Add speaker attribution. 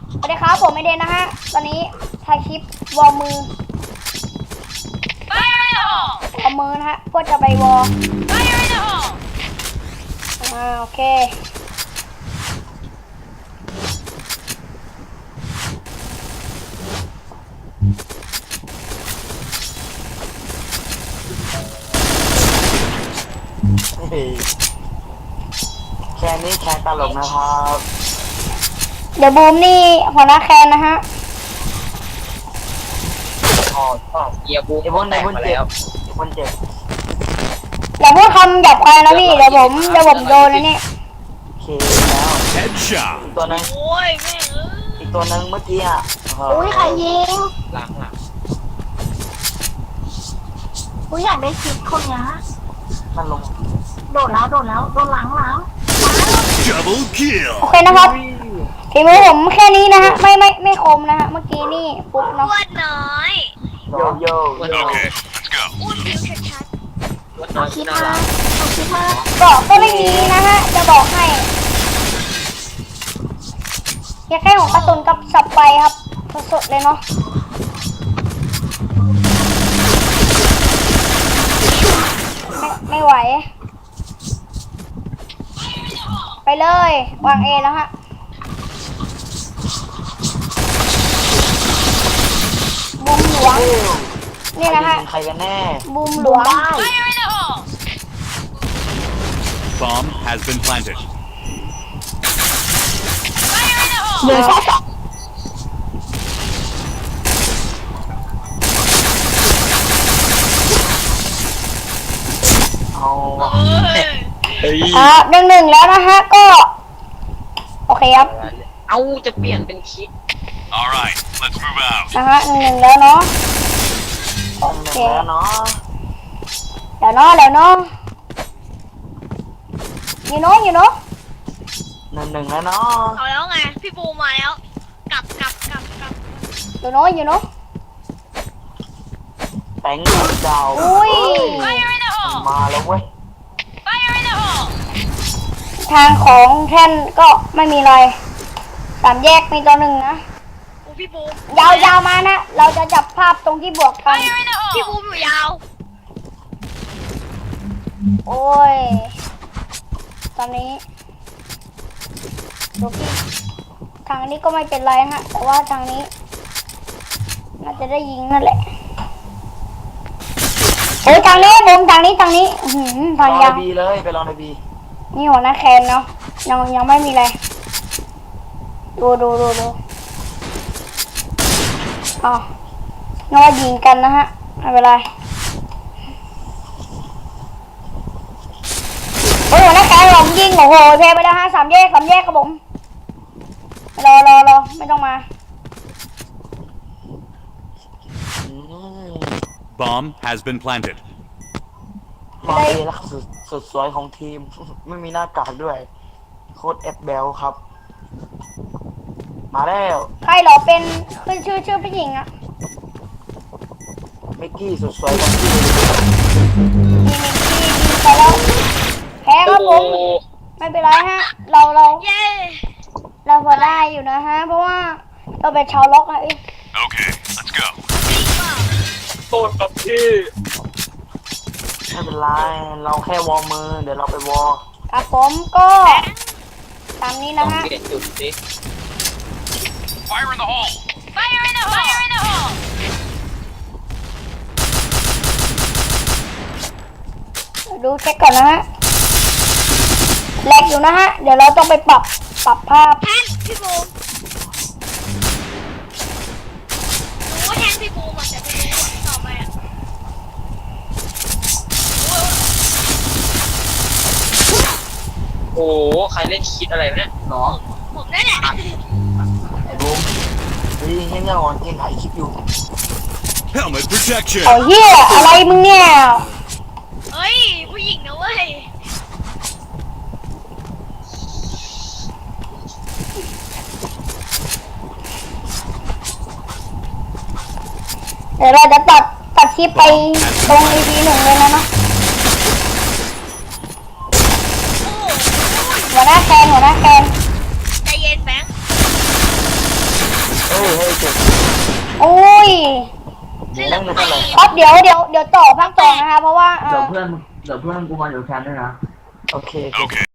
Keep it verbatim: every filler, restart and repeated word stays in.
Speaker 1: สวัสดีครับผมไอเดนนะฮะตอนนี้ถ่ายคลิปวอร์มือวอร์มือนะฮะเพื่อจะไปวอร์อ่าโอเค
Speaker 2: แค่นี้แค่ตลกนะครับ
Speaker 1: เดี๋ยวบูมนี่หัวหน้าแคนนะฮะ
Speaker 3: อ๋อเกียร์บูม
Speaker 2: ไอ้บนไหนบน
Speaker 3: มา
Speaker 2: เจ็
Speaker 3: แล้ว
Speaker 2: บบนเจ็บ
Speaker 1: อย่าพูดคำหยาบคายนะพี่เดี๋ยวผมเดี๋ยวผมโดนนะเนี่ย
Speaker 2: โอเคแล้ว
Speaker 4: Headshot.
Speaker 2: อีกตัวนึง
Speaker 3: โอ้ยแม่เอ้ย
Speaker 2: อีกตัวนึงเมื่อกี้อ่ะ
Speaker 5: อุ้ยใครยิง
Speaker 3: หลังหลัง
Speaker 5: อุ้ยอยากได้คลิปคนเนี้ย
Speaker 2: มันลง
Speaker 5: โดดแล้วโดดแล้วโดนหลังหลัง
Speaker 4: Double kill.
Speaker 1: โอเคนะครับฝีมือผมแค่นี้นะฮะไม่ไม่ไม่คมนะฮะเมื่อกี้นี่ปุ๊บเนาะ
Speaker 5: อ้วนน้อย
Speaker 2: โยโย่
Speaker 4: Okay, let's go.
Speaker 5: อ้วนผิวชัด
Speaker 3: วัด
Speaker 5: ๆ
Speaker 3: น้อ
Speaker 5: เอา
Speaker 3: ย
Speaker 5: คลิป
Speaker 3: น่า
Speaker 5: มา
Speaker 3: รัก
Speaker 5: เอาคลิปมา
Speaker 1: เกาะก็ไม่มีนะฮะจะบอกให้แค่แค่ของกระสุนกับสับไปครับสดๆเลยเนาะไม่ไม่ไหวไปเลยวางเอแล้วฮะบูมหลวงนี่นะฮะ
Speaker 2: ใครกันแน่
Speaker 1: บูมหลวง
Speaker 5: ได้
Speaker 4: Bomb has been planted.
Speaker 5: เหลือแค่สอง
Speaker 2: เอาว่ะ
Speaker 3: เฮ้ย
Speaker 1: อ่าหนึ่งหนึ่งแล้วนะฮะก็โอเคครับ
Speaker 3: เอาจะเปลี่ยนเป็นคิด
Speaker 4: All right, let's move out.
Speaker 1: นะฮะหนึ่งหนึ่งแล้วเนาะโอ
Speaker 2: หนึ่
Speaker 1: เค
Speaker 2: งแล้วเนาะ
Speaker 1: เดี๋ยวเนาะเดี๋ยวเนาะอยู่เนาะอยู่เนาะ
Speaker 2: หนึ่งหนึ่งแล้วเนาะ
Speaker 5: เอาแล้วไงพี่บูมาแล้วกลับกลับกลับกลับ
Speaker 1: อยู่เนาะอยู่เนาะ
Speaker 2: แตงดาว
Speaker 1: อุ้ย
Speaker 2: มาแล้วเว้ย
Speaker 1: ทางของแท่นก็ไม่มีอะไรสามแยกมีตัวหนึ่งนะ
Speaker 5: โอ้พี่บูม
Speaker 1: ยาวๆมานะเราจะจับภาพตรงที่บวกกัน
Speaker 5: พี่บูมอยู่ยาว
Speaker 1: โอ้ยตอนนี้ดูพี่ทางนี้ก็ไม่เป็นไรฮะแต่ว่าทางนี้น่าจะได้ยิงนั่นแหละโอ้ยทางนี้บุมทางนี้ทางนี้อื้อหือ
Speaker 2: ไป
Speaker 1: ทาง
Speaker 2: ลอง
Speaker 1: ยา
Speaker 2: ใน
Speaker 1: ว
Speaker 2: บีเลยไปลองในบี
Speaker 1: นี่หัวหน้าแคนเนาะยังยังไม่มีอะไรดูดูดูดูอ๋อนึกว่ายิงกันนะฮะไม่เป็นไรโอ้ยหัวหน้าแคนหลงยิงโอ้โหเพไปแล้วฮะสามแยกสามแยกครับผมรอรอรอไม่ต้องมา
Speaker 2: อืม
Speaker 4: Bomb has been planted.
Speaker 2: มาเอแล้วสุดสุดสวยของทีม ไม่มีหน้ากากด้วย โค้ดเอฟเบลครับ มาแล้ว
Speaker 1: ใครเหรอเป็นขึ้นชื่อชื่อผู้หญิงอะ
Speaker 2: มิกกี้สุดสวยของทีม
Speaker 1: มีมิกกี้ยิงไปแล้วแพ้ครับผ
Speaker 3: โอ้
Speaker 1: มไม่เป็นไรฮะเราเรา
Speaker 5: เย้
Speaker 1: เราพอได้อยู่นะฮะเพราะว่าเราเป็นชาวล็อกอะเอ้ย
Speaker 4: Okay, let's go.
Speaker 3: โทษกับพี่
Speaker 2: ไม่เป็นไร เราแค่วอร์มมือ เดี๋ยวเราไปวอร์
Speaker 1: ครับผมก็ตามนี้
Speaker 3: ต้อ
Speaker 1: นะ
Speaker 3: ง
Speaker 1: ฮะ
Speaker 3: เปลี่ยนจุดสิ
Speaker 4: Fire in the hole.
Speaker 1: ดูเช็คก่อนนะฮะแลกอยู่นะฮะเดี๋ยวเราต้องไปปรับปรับภาพ
Speaker 5: แทนพี่บูมรู้ว่าแทนพี่บูมอ่ะแต่ไม่รู้ต่อไปอ่ะ
Speaker 3: โอ้โหใครเล่นคิดอะไรวะเนี่ย
Speaker 2: เนาะ
Speaker 5: ผมนั่นแหละ
Speaker 2: ไอ้บูมเฮ้ยเงี้ยเงี้ยอ่อนยังถ่ายคลิปอยู่
Speaker 4: Helmet protection.
Speaker 1: เอาเหี้ยอะไรมึงเนี่ย
Speaker 5: เฮ้ยผู้หญิงนะเว้ย
Speaker 1: เดี๋ยวเราจะตัดตัดคลิปไปตรง อี พี หนึ่งเลยนะเนาะ
Speaker 5: โอ้โห
Speaker 1: หัวหน้าแคนหัวหน้าแคน
Speaker 5: ใจเย็นแบงค์
Speaker 2: ฮ้ยเฮ้ยเจ็บ
Speaker 1: โอ้ย
Speaker 5: เล่นหลังไป
Speaker 1: ครับเดี๋ยวเดี๋ยวเดี๋ยวต่อภาคต่อนะคะเพราะว่า
Speaker 6: เดี๋ยวเพื่อนเดี๋ยวเพื่อนกูมาอยู่แคนด้วยนะ
Speaker 2: โอเค
Speaker 4: Okay.